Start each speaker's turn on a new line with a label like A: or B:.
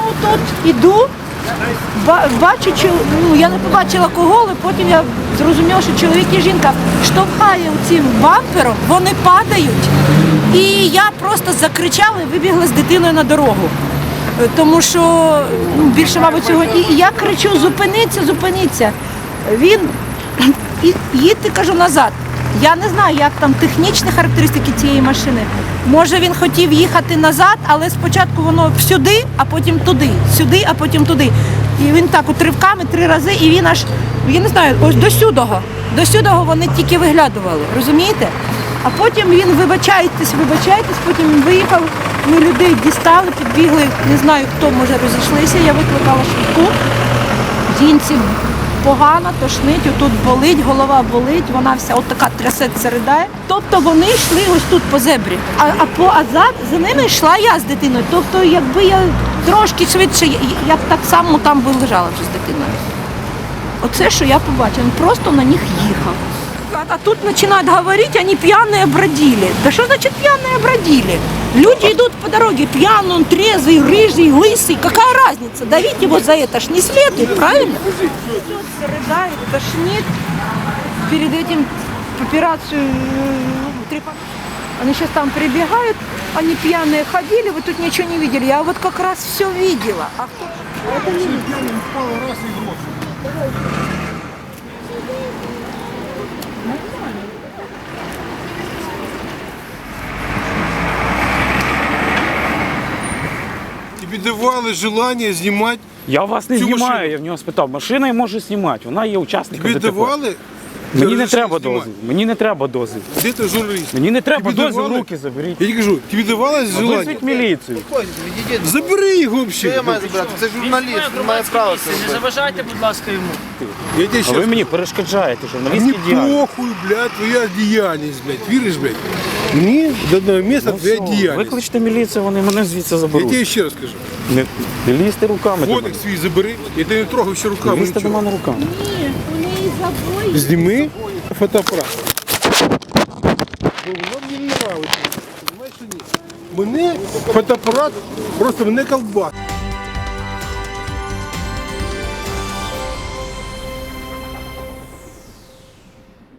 A: отут іду, бачу, я не побачила кого, але потім я зрозуміла, що чоловік і жінка штовхає цим бампером, вони падають. І я просто закричала і вибігла з дитиною на дорогу. Тому що більше, мабуть, сьогодні. І я кричу: зупиниться, зупиниться. Він їдьте, кажу, назад. Я не знаю, як там технічні характеристики цієї машини. Може, він хотів їхати назад, але спочатку воно сюди, а потім туди, сюди, а потім туди. І він так от ривками 3 рази, і він аж, я не знаю, ось до сюдого вони тільки виглядували, розумієте? А потім він, вибачайтесь, потім він виїхав, ми людей дістали, підбігли, не знаю хто, може розійшлися, я викликала швидку. Жінці погано, тошнить, отут болить, голова болить, вона вся отака трясеться, ридає. Тобто вони йшли ось тут по зебрі, а за ними йшла я з дитиною. Тобто якби я трошки швидше, я б так само там би лежала вже з дитиною. Оце, що я побачила, він просто на них їхав. А тут начинают говорить, они пьяные бродили. Да что значит пьяные бродили? Люди идут по дороге, пьяный, он трезвый, рыжий, лысый. Какая разница? Давить его за это ж не следует, правильно? Рыдает, тошнит. Перед этим операцию они сейчас там прибегают, они пьяные ходили, вы тут ничего не видели. Я вот как раз все видела. А кто? Это не
B: Тобі давали бажання знімати?
C: Я вас не
B: цю
C: знімаю,
B: машину?
C: я в нього спитав. Машина я можу знімати, вона є учасником
B: Тобі
C: ДТП.
B: давали?
C: Мені не треба
B: знімати?
C: дозвіл. Мені не треба дозвіл.
B: Де ти журналіст?
C: Мені не треба
B: Тобі
C: дозвіл,
B: давали?
C: руки заберіть.
B: Я тобі кажу, тобі давали бажання?
C: Визвіть міліцію.
B: Забери його
D: Що я
B: взагалі.
D: маю забрати? Це журналіст, він має право це
E: Не
D: робити.
E: заважайте, будь ласка, йому.
B: Я тебе
C: А
B: щас...
C: ви мені перешкоджаєте
B: Мені
C: журналістській діяльності.
B: похуй, блядь, твоя діяльність, блядь. Віриш, блядь? Мені до одного місця твоя
C: Все,
B: діяльність.
C: викличте міліцію, вони мене звідси
B: Я
C: заберуть.
B: тебе ще раз кажу.
C: Не лізьте руками до мене.
B: Фотик свій забери, я тебе не трогав ще руками.
C: Не лізьте до
B: нічого.
C: мене руками.
A: Ні, вони і забої.
B: Зніми фотоапарат. Бо воно мені не нравиться. Знаєш, що ні? Мене фотоапарат просто мене колбасить.